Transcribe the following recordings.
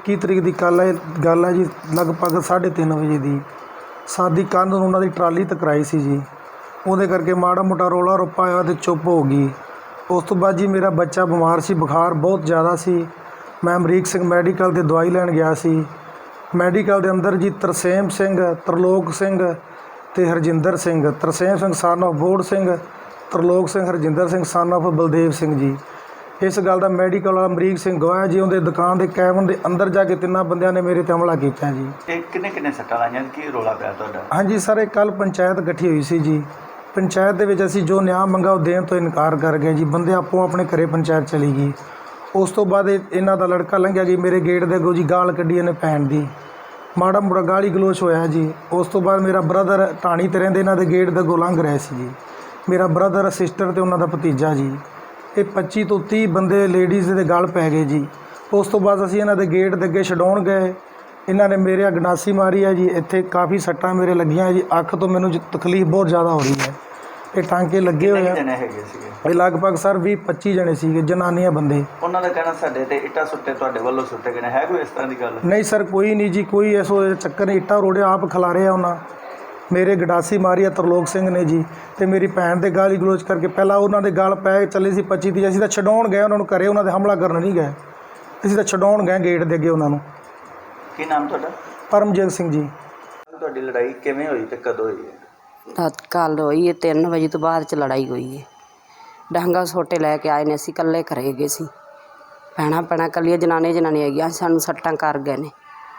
21 ਤਰੀਕ ਦੀ ਗੱਲ ਹੈ ਜੀ। ਲਗਭਗ 3:30 ਵਜੇ ਦੀ ਸਾਡੀ ਕੰਧ ਨੂੰ ਉਹਨਾਂ ਦੀ ਟਰਾਲੀ ਟਕਰਾਈ ਸੀ ਜੀ। ਉਹਦੇ ਕਰਕੇ ਮਾੜਾ ਮੋਟਾ ਰੌਲਾ ਰੱਪਾ ਹੋਇਆ ਅਤੇ ਚੁੱਪ ਹੋ ਗਈ। ਉਸ ਤੋਂ ਬਾਅਦ ਜੀ ਮੇਰਾ ਬੱਚਾ ਬਿਮਾਰ ਸੀ, ਬੁਖਾਰ ਬਹੁਤ ਜ਼ਿਆਦਾ ਸੀ। ਮੈਂ ਅਮਰੀਕ ਸਿੰਘ ਮੈਡੀਕਲ 'ਤੇ ਦਵਾਈ ਲੈਣ ਗਿਆ ਸੀ। ਮੈਡੀਕਲ ਦੇ ਅੰਦਰ ਜੀ ਤਰਸੇਮ ਸਿੰਘ, ਤਰਲੋਕ ਸਿੰਘ ਅਤੇ Harjinder Singh. Tarsem Singh son of Bor Singh, Tarlok Singh Harjinder Singh son of Baldev Singh ji. ਇਸ ਗੱਲ ਦਾ ਮੈਡੀਕਲ ਵਾਲਾ ਅਮਰੀਕ ਸਿੰਘ ਗਵਾਹ ਜੀ। ਉਹਦੇ ਦੁਕਾਨ ਦੇ ਕੈਬਨ ਦੇ ਅੰਦਰ ਜਾ ਕੇ 3 ਬੰਦਿਆਂ ਨੇ ਮੇਰੇ 'ਤੇ ਹਮਲਾ ਕੀਤਾ ਜੀ। ਇਹ ਕਿੰਨੇ ਸੱਟਾਂ ਲਾਈਆਂ, ਕੀ ਰੌਲਾ ਪਿਆ ਤੁਹਾਡਾ? ਹਾਂਜੀ ਸਰ, ਇਹ ਕੱਲ੍ਹ ਪੰਚਾਇਤ ਇਕੱਠੀ ਹੋਈ ਸੀ ਜੀ। ਪੰਚਾਇਤ ਦੇ ਵਿੱਚ ਅਸੀਂ ਜੋ ਨਿਆਂ ਮੰਗਾ ਉਹ ਦੇਣ ਤੋਂ ਇਨਕਾਰ ਕਰ ਗਏ ਜੀ। ਬੰਦੇ ਆਪੋ ਆਪਣੇ ਘਰੇ ਪੰਚਾਇਤ ਚਲੀ ਗਈ। ਉਸ ਤੋਂ ਬਾਅਦ ਇਹਨਾਂ ਦਾ ਲੜਕਾ ਲੰਘਿਆ ਜੀ, ਮੇਰੇ ਗੇਟ ਦੇ ਅੱਗੋਂ ਜੀ ਗਾਲ ਕੱਢੀ ਇਹਨੇ ਭੈਣ ਦੀ। ਮਾੜਾ ਮੋੜਾ ਗਾਲੀ ਗਲੋਚ ਹੋਇਆ ਜੀ। ਉਸ ਤੋਂ ਬਾਅਦ ਮੇਰਾ ਬ੍ਰਦਰ ਢਾਣੀ 'ਤੇ ਰਹਿੰਦੇ, ਇਹਨਾਂ ਦੇ ਗੇਟ ਦੇ ਅੱਗੋਂ ਲੰਘ ਰਹੇ ਸੀ ਜੀ। ਮੇਰਾ ਬ੍ਰਦਰ, ਸਿਸਟਰ ਅਤੇ ਉਹਨਾਂ ਦਾ ਭਤੀਜਾ ਜੀ। ਇਹ 25 ਤੋਂ 30 ਬੰਦੇ ਲੇਡੀਜ਼ ਦੇ ਗਲ ਪੈ ਗਏ ਜੀ। ਉਸ ਤੋਂ ਬਾਅਦ ਅਸੀਂ ਇਹਨਾਂ ਦੇ ਗੇਟ ਦੇ ਅੱਗੇ ਛਡਾਉਣ ਗਏ। ਇਹਨਾਂ ਨੇ ਮੇਰੇ ਗੰਡਾਸੀ ਮਾਰੀ ਹੈ ਜੀ। ਇੱਥੇ ਕਾਫੀ ਸੱਟਾਂ ਮੇਰੇ ਲੱਗੀਆਂ ਜੀ। ਅੱਖ ਤੋਂ ਮੈਨੂੰ ਤਕਲੀਫ ਬਹੁਤ ਜ਼ਿਆਦਾ ਹੋ ਰਹੀ ਹੈ। ਇਹ ਟਾਂਕੇ ਲੱਗੇ ਹੋਏ ਆ। ਜਣੇ ਹੈਗੇ ਸੀਗੇ? ਇਹ ਲਗਭਗ ਸਰ 20-25 ਜਣੇ ਸੀਗੇ, ਜਨਾਨੀਆਂ ਬੰਦੇ। ਉਹਨਾਂ ਦਾ ਕਹਿਣਾ ਸਾਡੇ ਤੇ ਇੱਟਾਂ ਸੁੱਟੇ, ਤੁਹਾਡੇ ਵੱਲੋਂ ਸੁੱਟੇ ਗਏ ਨੇ, ਹੈ ਕੋਈ ਇਸ ਤਰ੍ਹਾਂ ਦੀ ਗੱਲ? ਨਹੀਂ ਸਰ, ਕੋਈ ਨਹੀਂ ਜੀ, ਕੋਈ ਐਸੋ ਚੱਕਰ ਨਹੀਂ। ਇੱਟਾਂ ਰੋੜੇ ਆਪ ਖਿਲਾਰੇ ਆ ਉਹਨਾਂ। ਮੇਰੇ ਗੰਡਾਸੀ ਮਾਰੀ ਆ ਤਰਲੋਕ ਸਿੰਘ ਨੇ ਜੀ। ਅਤੇ ਮੇਰੀ ਭੈਣ ਦੇ ਗਾਲੀ ਗਲੋਚ ਕਰਕੇ ਪਹਿਲਾਂ ਉਹਨਾਂ ਦੇ ਗਲ ਪੈ ਚੱਲੇ ਸੀ 25-30। ਅਸੀਂ ਤਾਂ ਛਡਾਉਣ ਗਏ ਉਹਨਾਂ ਨੂੰ, ਘਰੇ ਉਹਨਾਂ ਦੇ ਹਮਲਾ ਕਰਨ ਨਹੀਂ ਗਏ। ਅਸੀਂ ਤਾਂ ਛਡਾਉਣ ਗਏ ਗੇਟ ਦੇ ਅੱਗੇ ਉਹਨਾਂ ਨੂੰ। ਕੀ ਨਾਮ ਤੁਹਾਡਾ? ਪਰਮਜੀਤ ਸਿੰਘ ਜੀ। ਤੁਹਾਡੀ ਲੜਾਈ ਕਿਵੇਂ ਹੋਈ ਤੇ ਕਦੋਂ ਹੋਈ ਹੈ? ਕੱਲ੍ਹ ਹੋਈ ਹੈ, 3 ਵਜੇ ਤੋਂ ਬਾਅਦ 'ਚ ਲੜਾਈ ਹੋਈ ਹੈ। ਡਾਂਗਾ ਸੋਟੇ ਲੈ ਕੇ ਆਏ ਨੇ, ਅਸੀਂ ਇਕੱਲੇ ਘਰੇ ਗਏ ਸੀ। ਭੈਣਾਂ ਇਕੱਲੀਆਂ ਜਨਾਨੀਆਂ ਹੈਗੀਆਂ, ਸਾਨੂੰ ਸੱਟਾਂ ਕਰ ਗਏ ਨੇ।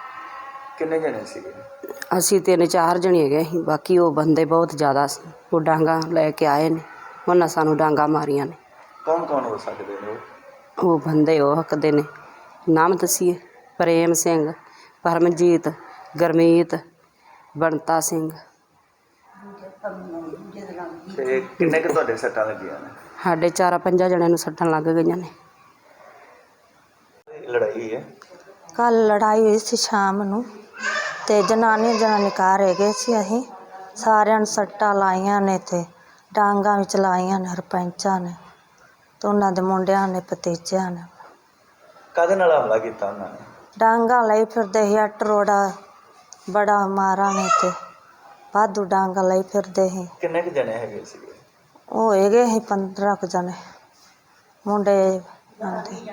ਕਿੰਨੇ ਜਣੇ ਸੀਗੇ? ਅਸੀਂ 3-4 ਜਣੇ ਹੈਗੇ ਸੀ, ਬਾਕੀ ਉਹ ਬੰਦੇ ਬਹੁਤ ਜ਼ਿਆਦਾ ਸੀ। ਉਹ ਡਾਂਗਾ ਲੈ ਕੇ ਆਏ ਨੇ, ਉਹਨਾਂ ਸਾਨੂੰ ਡਾਂਗਾ ਮਾਰੀਆਂ ਨੇ। ਕੌਣ ਹੋ ਸਕਦੇ ਨੇ ਉਹ ਬੰਦੇ ਉਹ ਹੱਕਦੇ ਨੇ। ਨਾਮ ਦੱਸੀਏ? ਪ੍ਰੇਮ ਸਿੰਘ, ਪਰਮਜੀਤ, ਗਰਮੀਤ, ਬੰਤਾ ਸਿੰਘ। ਤੇ ਕਿੰਨੇ ਕੁ ਤੁਹਾਡੇ ਸੱਟਾਂ ਲੱਗੀਆਂ ਨੇ? ਸਾਡੇ 4-5 ਜਣਿਆਂ ਨੂੰ ਸੱਟਾਂ ਲੱਗ ਗਈਆਂ ਨੇ। ਲੜਾਈ ਹੈ? ਕੱਲ੍ਹ ਲੜਾਈ ਹੋਈ ਸੀ ਸ਼ਾਮ ਨੂੰ, ਅਤੇ ਜਨਾਨੀ ਘਰ ਹੈਗੇ ਸੀ। ਅਸੀਂ ਸਾਰਿਆਂ ਨੂੰ ਸੱਟਾਂ ਲਾਈਆਂ ਨੇ ਅਤੇ ਡਾਂਗਾਂ ਵੀ ਚਲਾਈਆਂ ਨੇ ਸਰਪੰਚਾਂ ਨੇ ਅਤੇ ਉਹਨਾਂ ਦੇ ਮੁੰਡਿਆਂ ਨੇ, ਭਤੀਜਿਆਂ ਨੇ। ਕਾਹਦੇ ਨਾਲ ਹਮਲਾ ਕੀਤਾ ਉਹਨਾਂ ਨੇ? ਡਾਂਗਾਂ ਲਈ ਫਿਰਦੇ ਸੀ। ਅੱਟ ਰੋੜਾ ਬੜਾ ਮਾਰਾ ਨੇ ਅਤੇ ਵਾਧੂ ਡਾਂਗਾਂ ਲਈ ਫਿਰਦੇ ਸੀ। ਕਿੰਨੇ ਕੁ ਜਣੇ ਹੈਗੇ ਸੀਗੇ? ਉਹ ਹੈਗੇ ਸੀ 15 ਕੁ ਜਣੇ ਮੁੰਡੇ ਆਉਂਦੇ।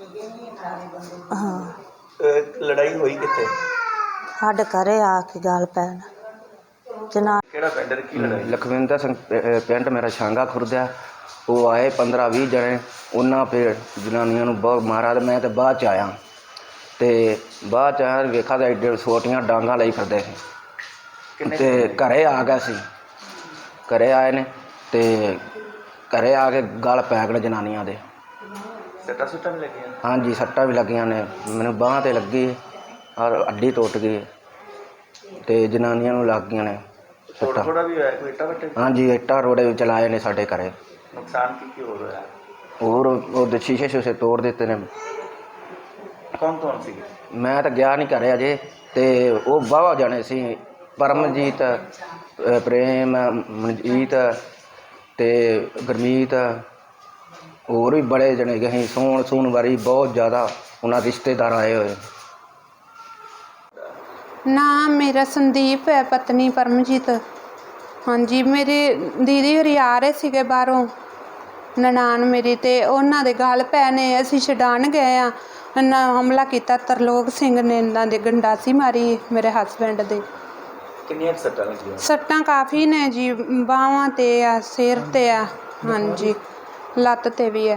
ਹਾਂ। ਲੜਾਈ ਹੋਈ ਕਿੱਥੇ? ਸਾਡੇ ਘਰੇ ਆ ਕੇ ਗੱਲ ਪੈਣ। ਕਿਹੜਾ ਪਿੰਡ? ਕੀ ਲੜਾਈ? ਲਖਵਿੰਦਰ ਸਿੰਘ ਪਿੰਡ ਮੇਰਾ ਛਾਂਗਾ ਖੁਰਦਿਆ। ਉਹ ਆਏ 15-20 ਜਣੇ। ਉਹਨਾਂ ਫਿਰ ਜਨਾਨੀਆਂ ਨੂੰ ਬਹੁਤ ਮਾਰਾ ਅਤੇ ਮੈਂ ਤਾਂ ਬਾਅਦ 'ਚ ਆਇਆ। ਅਤੇ ਬਾਅਦ 'ਚ ਆਇਆ ਵੇਖਾ ਤਾਂ ਐਡੇ ਛੋਟੀਆਂ ਡਾਂਗਾਂ ਲਈ ਫਿਰਦੇ ਸੀ। ਅਤੇ ਘਰੇ ਆ ਗਿਆ ਸੀ। ਘਰੇ ਆਏ ਨੇ ਅਤੇ ਘਰੇ ਆ ਕੇ ਗਲ ਪੈ ਗਏ ਜਨਾਨੀਆਂ ਦੇ। ਸੱਟਾਂ ਵੀ ਲੱਗੀਆਂ? ਹਾਂਜੀ, ਸੱਟਾਂ ਵੀ ਲੱਗੀਆਂ ਨੇ। ਮੈਨੂੰ ਬਾਂਹ 'ਤੇ ਲੱਗੀ ਔਰ ਅੱਡੀ ਟੁੱਟ ਗਈ ਅਤੇ ਜਨਾਨੀਆਂ ਨੂੰ ਲੱਗ ਗਈਆਂ ਨੇ ਸੱਟਾਂ। ਥੋੜਾ ਵੀ ਹੋਇਆ? ਕੋਈ ਇੱਟਾਂ ਵੱਟੇ? ਹਾਂਜੀ, ਇੱਟਾਂ ਰੋੜੇ ਵੀ ਚਲਾਏ ਨੇ ਸਾਡੇ ਘਰੇ। ਨੁਕਸਾਨ ਕੀ ਹੋਰ ਹੋਇਆ? ਹੋਰ ਉਹਦੇ ਸ਼ੀਸ਼ੇ ਤੋੜ ਦਿੱਤੇ ਨੇ। ਕੌਣ ਸੀ? ਮੈਂ ਤਾਂ ਗਿਆ ਨਹੀਂ ਘਰੇ ਅਜੇ। ਅਤੇ ਉਹ ਵਾਹਵਾ ਜਾਣੇ ਸੀ, ਪਰਮਜੀਤ, ਪ੍ਰੇਮ, ਮਨਜੀਤ ਅਤੇ ਗੁਰਮੀਤ। ਹੋਰ ਵੀ ਬੜੇ ਜਣੇ ਗਏ ਸੀ। ਸੋਣ ਵਾਰੀ ਬਹੁਤ ਜ਼ਿਆਦਾ ਉਹਨਾਂ ਰਿਸ਼ਤੇਦਾਰ ਆਏ ਹੋਏ। ਨਾਮ ਮੇਰਾ ਸੰਦੀਪ ਹੈ, ਪਤਨੀ ਪਰਮਜੀਤ। ਹਾਂਜੀ, ਮੇਰੇ ਦੀਦੀ ਹੋਰੀ ਆ ਰਹੇ ਸੀਗੇ ਬਾਹਰੋਂ, ਨਨਾਣ ਮੇਰੀ, ਅਤੇ ਉਹਨਾਂ ਦੇ ਗਲ ਪੈ ਨੇ। ਅਸੀਂ ਛਡਾਉਣ ਗਏ ਹਾਂ, ਇਹਨਾਂ ਹਮਲਾ ਕੀਤਾ। ਤਰਲੋਕ ਸਿੰਘ ਨੇ ਇਹਨਾਂ ਦੇ ਗੰਡਾਸੀ ਮਾਰੀ ਮੇਰੇ ਹਸਬੈਂਡ ਦੇ। ਕਿੰਨੀਆਂ ਸੱਟਾਂ ਲੱਗੀਆਂ? ਸੱਟਾਂ ਕਾਫੀ ਨੇ ਜੀ, ਬਾਹਾਂ 'ਤੇ ਆ, ਸਿਰ 'ਤੇ ਆ, ਹਾਂਜੀ, ਲੱਤ 'ਤੇ ਵੀ ਹੈ।